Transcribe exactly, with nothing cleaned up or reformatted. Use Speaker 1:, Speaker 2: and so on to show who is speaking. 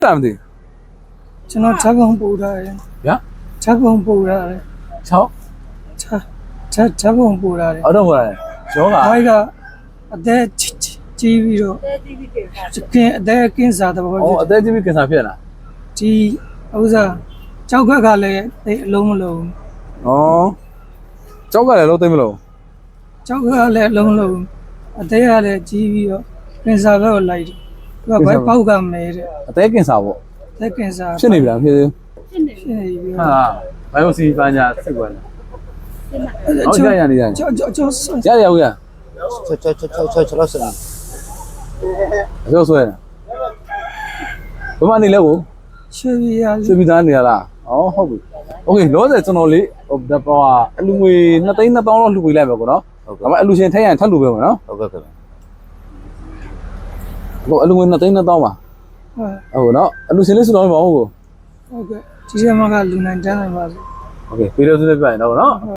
Speaker 1: တာမသိ
Speaker 2: ကျွန်တော်ချက်ကုန်ပို့ထားတယ်
Speaker 1: ဗျာ
Speaker 2: ချက်ကုန်ပို့ထားတယ်
Speaker 1: ချောင်း
Speaker 2: ချက်ချက်ချက်ကုန်ပို့ထားတယ်
Speaker 1: အော်တော့ဟိုရတယ်ကျောက
Speaker 2: ဘိုက်ကအသက်ကြီးပြီးတော့ကင်းအသက်ကင်းစားတဲ့ဘော
Speaker 1: အော်အသက်ကြီးပြီးကင်ဆာဖြစ်လာ
Speaker 2: ဒီဥစားကြောက်ခက်ကလည်းအဲ့အလုံးမလုံး
Speaker 1: ဩကျောက်ကလည်းလုံးသိမ့်မလို့
Speaker 2: ကြောက်ခက်ကလည်းအလုံးလုံးအသက်ကလည်းကြီးပြီးတော့ကင်းစားဘက်ကိုလိုက်တယ်သူကဘိုက်ပေါက်ကမဲတဲ့အ
Speaker 1: သက်ကင်ဆာပေါ့
Speaker 2: သက်ကင်းစား
Speaker 1: ဖြစ်နေပြီလားဖြစ်သေး
Speaker 2: ဖြစ်နေပြီ
Speaker 1: ဟာဘိုင်ယိုစီပညာစစ်ကွာဟုတ်ရရနေရ
Speaker 2: ကြောက်ကြောက်ကြောက်
Speaker 1: ရရဦးရ
Speaker 3: ချက်ချက်ချက်ချက်ချက်ချက်လို့စနေ
Speaker 1: အကျော်ဆွဲဘမနေလဲကို
Speaker 2: ရွှေပြည်ရ
Speaker 1: ရွှေပြည်သားနေရလားဩဟုတ်ပြီโอเคလောဆယ်ကျွန်တော်လေးဟိုဟိုအလူငွေနှစ်သိန်းနှစ်သောင်းလောက်လှူပေးလိုက်မယ်ကောနော်ဒါပေမဲ့အလူရှင်ထိုင်ရန်ထပ်လှူပေးမယ်နော်
Speaker 3: ဟုတ်ကဲ့ကဲ့
Speaker 1: ဟိုအလူငွေနှစ်သိန်းနှစ်သောင်းပါဟုတ်နော်အလူရှင်လေးစုတော်မဟုတ်ဘူး
Speaker 2: ဟုတ်ကဲ့ဒီထဲမှာကလူနိုင်တန်းနိုင်ပါစေ
Speaker 1: โอเคပြီးတော့သူလည်းပြရင်တော့နော်